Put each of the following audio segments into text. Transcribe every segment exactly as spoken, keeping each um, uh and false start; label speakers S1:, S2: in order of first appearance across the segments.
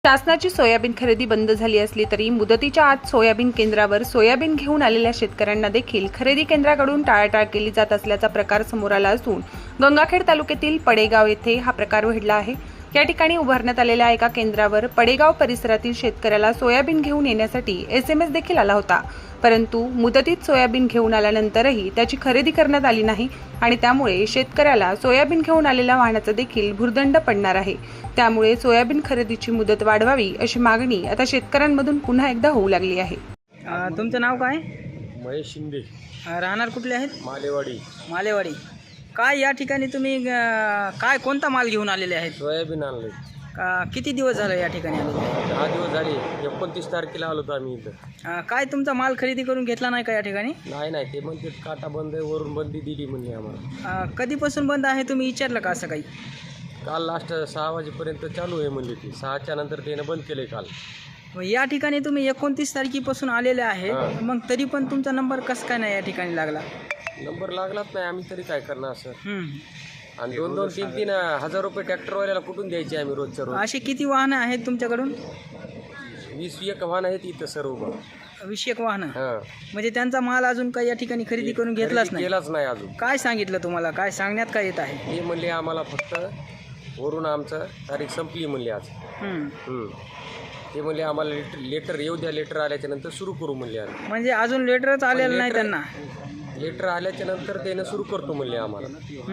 S1: शासनाची सोयाबीन खरेदी बंद झाली असली तरी मुदतीच्या आत सोयाबीन केंद्रावर सोयाबीन घेऊन आलेल्या शेतकऱ्यांना देखील खरेदी केंद्राकडून टाळाटाळ केली जात असल्याचा प्रकार समोर आला असून गंगाखेड तालुक्यातील पडेगाव येथे हा प्रकार घडला आहे। या ठिकाणी उभारण्यात आलेल्या एका केंद्रावर पडेगाव परिसरातील शेतकऱ्याला सोयाबीन घेऊन येण्यासाठी एसएमएस देखील आला होता, परंतु मुदतीत सोयाबीन घेऊन आल्यानंतरही त्याची खरेदी करण्यात आली नाही आणि त्यामुळे शेतकऱ्याला सोयाबीन घेऊन आलेल्या वाहनाचा देखील भुर्दंड पडणार आहे। त्यामुळे सोयाबीन खरेदीची मुदत वाढवावी अशी मागणी आता शेतकऱ्यांमधून पुन्हा एकदा होऊ लागली आहे।
S2: तुमचं नाव काय?
S3: महेश शिंदे,
S2: राहणार कुठले आहेत?
S3: मालेवाडी।
S2: मालेवाडी। काय या ठिकाणी तुम्ही काय कोणता माल घेऊन आलेले आहेत?
S3: सोयाबीन आणले।
S2: किती दिवस झाले या ठिकाणी आलेले?
S3: दहा दिवस झाले। एकोणतीस तारखेला आलो होतो आम्ही इथं।
S2: काय तुमचा माल खरेदी करून घेतला नाही का या ठिकाणी?
S3: नाही नाही, ते म्हणते काटा बंद आहे, वरून बंदी दिली म्हणले आम्हाला।
S2: कधीपासून बंद आहे तुम्ही विचारलं का असं काही?
S3: काल लास्ट सहा वाजेपर्यंत चालू आहे म्हणले, ती सहाच्या नंतर त्यानं बंद केले काल।
S2: मग या ठिकाणी तुम्ही एकोणतीस तारखेपासून आलेले आहे, मग तरी पण तुमचा नंबर कसं काय नाही या ठिकाणी लागला?
S3: नंबर लागलाच नाही, आम्ही तरी काय करणार सर? आणि दोन दोन तीन तीन हजार रुपये ट्रॅक्टरवाल्याला कुठून द्यायचे आम्ही रोजच्या रोज?
S2: असे किती वाहनं आहेत तुमच्याकडून?
S3: वीस एक वाहन आहेत इथं सर्व।
S2: वीस एक वाहनं?
S3: हां,
S2: म्हणजे त्यांचा माल अजून काही या ठिकाणी खरेदी करून घेतलाच नाही?
S3: केलाच नाही अजून।
S2: काय सांगितलं तुम्हाला? काय सांगण्यात काय येत आहे?
S3: हे म्हणले आम्हाला फक्त वरून आमचं तारीख संपली म्हणले आज। हम्म, ते म्हणले आम्हाला लेटर लेटर येऊ द्या, लेटर आल्याच्या नंतर सुरू करू म्हणले आम्ही।
S2: म्हणजे अजून लेटरच आलेलं नाही त्यांना?
S3: लेटर आल्याच्या नंतर त्यानं सुरू करतो म्हणले आम्हाला।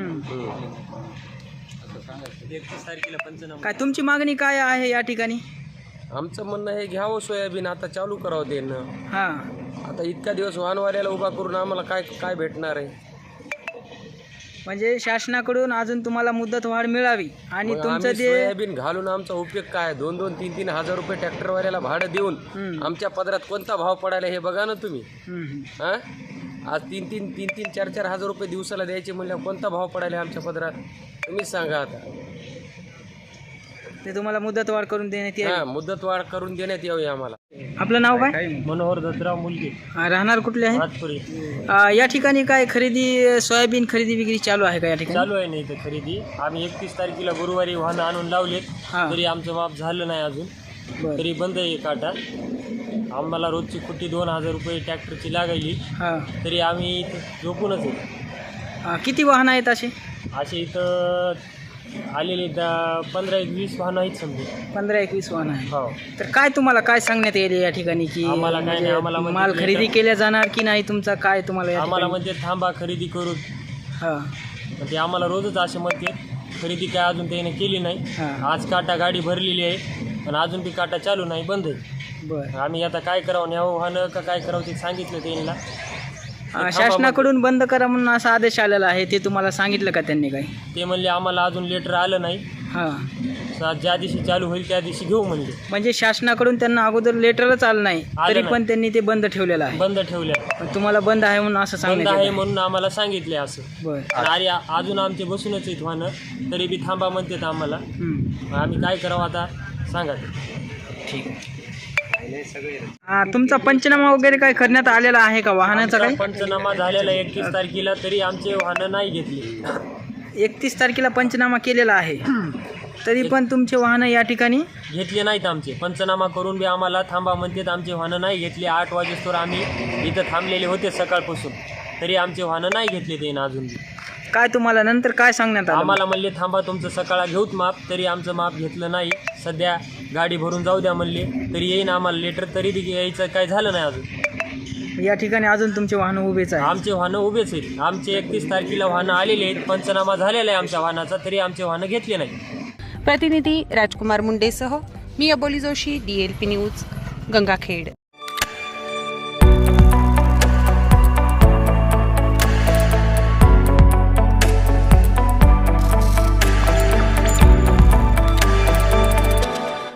S2: काय तुमची मागणी काय आहे या ठिकाणी?
S3: आमचं म्हणणं हे घ्यावं सोयाबीन, आता चालू करावं त्यानं।
S2: हां,
S3: आता इतका दिवस वाहनवाल्याला उभा करून आम्हाला काय काय भेटणार आहे?
S2: म्हणजे शासनाकडून अजून तुम्हाला मुदत वाढ मिळावी आणि तुमचं ते
S3: सोयाबीन घालून आमचा उपयोग काय? दोन दोन तीन तीन हजार रुपये ट्रॅक्टरवाल्याला भाडं देऊन आमच्या पदरात कोणता भाव पडायला हे बघा ना तुम्ही। हां, आज तीन तीन तीन तीन चार चार हजार रुपये दिवसाला द्यायचे म्हणल्यावर कोणता भाव पडायला आमच्या पदरात? तुम्हीच सांगा आता।
S2: ते तुम्हाला मुदत वाढ करून देण्यात येईल?
S3: हां, मुदत वाढ करून देण्यात यावी आम्हाला।
S2: आपलं नाव काय?
S3: मनोहर दत्तराव मुलगे,
S2: राहणार कुठले आहे?
S3: भातपुरी।
S2: या ठिकाणी काय खरेदी सोयाबीन खरेदी विक्री चालू आहे का या ठिकाणी?
S3: चालू आहे नाही इथं खरेदी। आम्ही एकतीस तारखेला गुरुवारी वाहनं आणून लावलेत, तरी आमचं माप झालं नाही अजून, तरी बंद आहे काटा। आम्हाला रोजची कुट्टी दोन हजार रुपये ट्रॅक्टरची लागायली, तरी आम्ही इथं झोपूनच आहे।
S2: किती वाहनं आहेत असे?
S3: असे इथं आलेले पंधरा एक वीस वाहनं आहेत समजा।
S2: पंधरा एकवीस वाहनं आहे?
S3: हो।
S2: तर काय तुम्हाला काय सांगण्यात येईल या ठिकाणी की
S3: आम्हाला काय नाही, आम्हाला
S2: माल खरेदी केल्या जाणार की नाही तुमचा काय तुम्हाला?
S3: आम्हाला म्हणजे थांबा खरेदी करू। हां, म्हणजे आम्हाला रोजच असे म्हणते, खरेदी काय अजून त्याने केली नाही। आज काटा गाडी भरलेली आहे पण अजून बी काटा चालू नाही, बंद आहे। बरं, आम्ही आता काय करावं, न्यावं वाहनं का काय करावं ते सांगितलं त्यांना।
S2: शासनाकडून बंद करा म्हणून असा आदेश आलेला आहे, ते तुम्हाला सांगितलं का त्यांनी? काय
S3: ते म्हणले आम्हाला अजून लेटर आलं नाही। हां, ज्या दिवशी चालू होईल त्या दिवशी घेऊ म्हणले। म्हणजे
S2: शासनाकडून त्यांना अगोदर लेटरच आलं नाही, तरी पण त्यांनी ते बंद ठेवलेलं आहे?
S3: बंद ठेवलं।
S2: तुम्हाला बंद आहे म्हणून असं सांगितलं
S3: आहे म्हणून आम्हाला सांगितले असं।
S2: बरं,
S3: अरे अजून आमचे बसूनच आहेत वाहनं, तरी बी थांबा म्हणतात आम्हाला। आम्ही काय करावं आता सांगा?
S2: ठीक आहे। तुमचा पंचनामा वगैरे काय करण्यात आलेला आहे का वाहनाचा? काही
S3: पंचनामा झालेला एकतीस तारखेला, तरी आमचे वाहनं नाही घेतली।
S2: एकतीस तारखेला पंचनामा केलेला आहे, तरी पण तुमचे वाहनं या ठिकाणी
S3: घेतले नाहीत आमचे। पंचनामा करून बी आम्हाला थांबा म्हणतात, आमचे वाहनं नाही घेतले। आठ वाजेस्तोवर आम्ही इथं थांबलेले होते सकाळपासून, तरी आमचे वाहनं नाही घेतले ते अजून बी।
S2: काय तुम्हाला नंतर काय सांगण्यात आलं?
S3: आम्हाला म्हणले थांबा तुमचं सकाळला घेऊत माप, तरी आमचं माप घेतलं नाही। सध्या गाडी भरून जाऊ द्या म्हणले, तरी येईन आम्हाला लेटर, तरी यायचं काय झालं नाही अजून।
S2: या ठिकाणी अजून तुमचे वाहनं उभेच आहे?
S3: आमचे वाहनं उभेच आहेत। आमचे एकतीस तारखेला वाहनं आलेले आहेत, पंचनामा झालेला आहे आमच्या वाहनाचा, तरी आमचे वाहनं घेतले नाही।
S1: प्रतिनिधी राजकुमार मुंडेसह मी Aboli Joshi, D L P news, Gangakhed.